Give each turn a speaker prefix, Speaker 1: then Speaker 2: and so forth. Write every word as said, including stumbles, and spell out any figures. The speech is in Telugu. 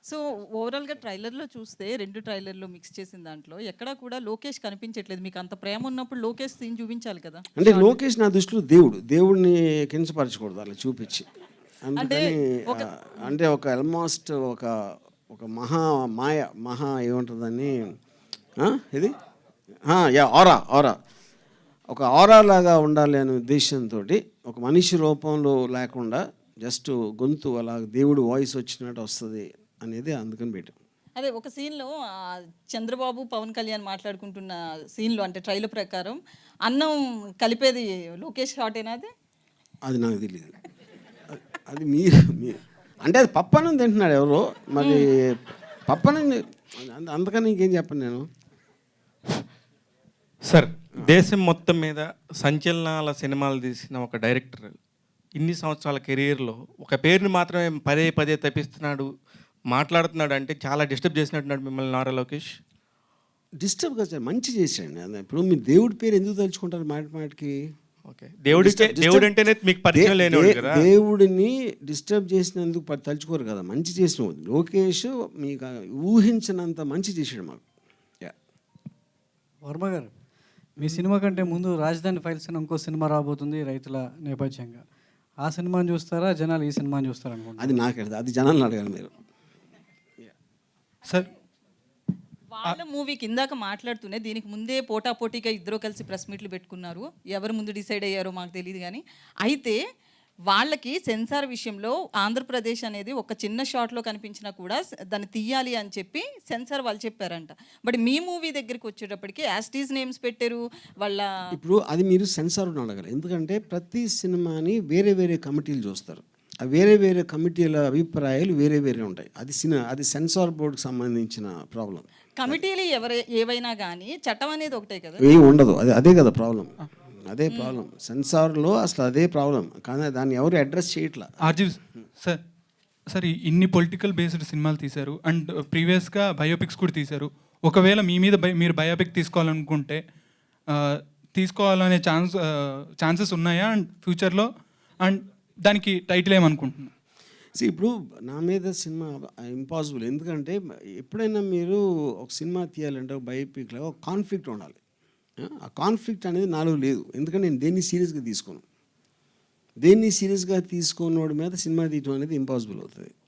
Speaker 1: సో ఓవరాల్‌గా ట్రైలర్‌లో చూస్తే రెండు ట్రైలర్‌లో మిక్స్ చేసిన దాంట్లో ఎక్కడా కూడా లోకేష్ కనిపించట్లేదు. మీకు అంత ప్రేమ ఉన్నప్పుడు లోకేష్ సీన్ చూపించాలి కదా!
Speaker 2: అంటే
Speaker 1: షార్ట్.
Speaker 2: లోకేష్ నా దృష్టిలో దేవుడు. దేవుడిని కించపరచకూడదు అలా చూపించి.
Speaker 1: అంటే
Speaker 2: అందుకని
Speaker 1: ఒక
Speaker 2: ఆహ్, అంటే ఒక ఆల్మోస్ట్ ఒక ఒక మహా మాయ మహా ఏమంటారు దాన్ని ఆ! ఇది ఆ! యాహ్! Aura aura. ఒక ఆరా లాగా ఉండాలి అనే ఉద్దేశంతోటి ఒక మనిషి రూపంలో లేకుండా జస్ట్ గొంతు అలా దేవుడి వాయిస్ వచ్చినట్టు వస్తది అనేది అందుకని పెట్టాం.
Speaker 1: అదే ఒక సీన్‌లో ఆహ్, చంద్రబాబు, పవన్ కళ్యాణ్ మాట్లాడుకుంటున్న సీన్‌లో అంటే ట్రైలర్ ప్రకారం అన్నం కలిపేది లోకేష్ షాటేనా అది?
Speaker 2: అది నాకు తెలీదు. అ అది మీరు మీ అంటే అది పప్పన్నం తింటున్నాడు ఎవరో. మరి పప్పన్నం అంద అందుకని ఇంకేం చెప్పను నేను.
Speaker 3: సార్, దేశం మొత్తం మీద సంచలనాల సినిమాలు తీసిన ఒక డైరెక్టర్ ఇన్ని సంవత్సరాల కెరీర్‌లో ఒక పేరుని మాత్రమే పదే పదే తప్పిస్తున్నాడు, మాట్లాడుతున్నాడు అంటే చాలా డిస్టర్బ్ చేసినట్టున్నాడు మిమ్మల్ని నారా లోకేష్.
Speaker 2: డిస్టర్బ్ కాదు సార్, మంచి చేసాడండి. అదే ఇప్పుడు మీరు దేవుడి పేరు ఎందుకు తలుచుకుంటారు మాటి మాటికి?
Speaker 3: ఓకే. దేవుడికే
Speaker 2: డిస్టర్బ్
Speaker 3: దేవుడు
Speaker 2: డిస్టర్బ్
Speaker 3: అంటేనే మీకు
Speaker 2: దే
Speaker 3: పరిచయం
Speaker 2: దే
Speaker 3: లేనివాడు కదా.
Speaker 2: దేవుడిని డిస్టర్బ్ చేసినందుకు ప తలుచుకోరు కదా! మంచి చేసినోడు. లోకేష్ మీకు ఊహించనంత మంచి చేసాడు మాకు. యాహ్!
Speaker 4: వర్మ గారు, మీ సినిమా కంటే ముందు రాజధాని ఫైల్స్ అని ఇంకో సినిమా రాబోతుంది రైతుల నేపథ్యంగా. ఆ సినిమాని చూస్తారా, జనాలు ఈ సినిమాని చూస్తారు అనుకుంటా?
Speaker 2: అది నాకెళ్ళదు. అది జనాల్ని అడగాలి మీరు.
Speaker 3: సార్,
Speaker 1: వాళ్ళ మూవీకి ఇందాక మాట్లాడుతూనే దీనికి ముందే పోటాపోటీగా ఇద్దరు కలిసి ప్రెస్ మీట్లు పెట్టుకున్నారు. ఎవరు ముందు డిసైడ్ అయ్యారో మాకు తెలియదు కానీ, అయితే వాళ్ళకి సెన్సార్ విషయంలో ఆంధ్రప్రదేశ్ అనేది ఒక చిన్న షాట్లో కనిపించినా కూడా స- దాన్ని తీయాలి అని చెప్పి సెన్సార్ వాళ్ళు చెప్పారంట. బట్ మీ మూవీ దగ్గరికి వచ్చేటప్పటికి యాస్టీస్ నేమ్స్ పెట్టారు వాళ్ళ.
Speaker 2: ఇప్పుడు అది మీరు సెన్సార్ని అడగాలి. ఎందుకంటే ప్రతి సినిమాని వేరే వేరే కమిటీలు చూస్తారు. ఆ వేరే వేరే కమిటీల అభిప్రాయాలు వేరే వేరే ఉంటాయి. అది సినిమా అది సెన్సార్ బోర్డుకి సంబంధించిన ప్రాబ్లం.
Speaker 1: కమిటీలు ఎవరై ఏవైనా కానీ చట్టం అనేది ఒకటే కదా.
Speaker 2: ఏం ఉండదు. అదే అదే కదా ప్రాబ్లం. అదే ప్రాబ్లం. సెన్సార్లో అసలు అదే ప్రాబ్లం. కానీ దాన్ని ఎవరు అడ్రస్ చేయట్లా.
Speaker 5: ఆర్జీవ్ సార్, సార్ ఈ ఇన్ని పొలిటికల్ బేస్డ్ సినిమాలు తీశారు అండ్ ప్రీవియస్గా బయోపిక్స్ కూడా తీశారు. ఒకవేళ మీ మీద బై మీరు బయోపిక్ తీసుకోవాలనుకుంటే ఆ, తీసుకోవాలనే ఛాన్స్ ఛాన్సెస్ ఉన్నాయా అండ్ ఫ్యూచర్లో? అండ్ దానికి టైటిల్ ఏమనుకుంటున్నా?
Speaker 2: సో ఇప్పుడు నా మీద సినిమా ఇంపాసిబుల్. ఎందుకంటే ఎప్పుడైనా మీరు ఒక సినిమా తీయాలంటే ఒక బయోపిక్లో ఒక కాన్ఫ్లిక్ట్ ఉండాలి. ఆ కాన్ఫ్లిక్ట్ అనేది నాలో లేదు. ఎందుకంటే నేను దేన్ని సీరియస్గా తీసుకోను. దేన్ని సీరియస్గా తీసుకోనోడి మీద సినిమా తీయడం అనేది ఇంపాసిబుల్ అవుతుంది.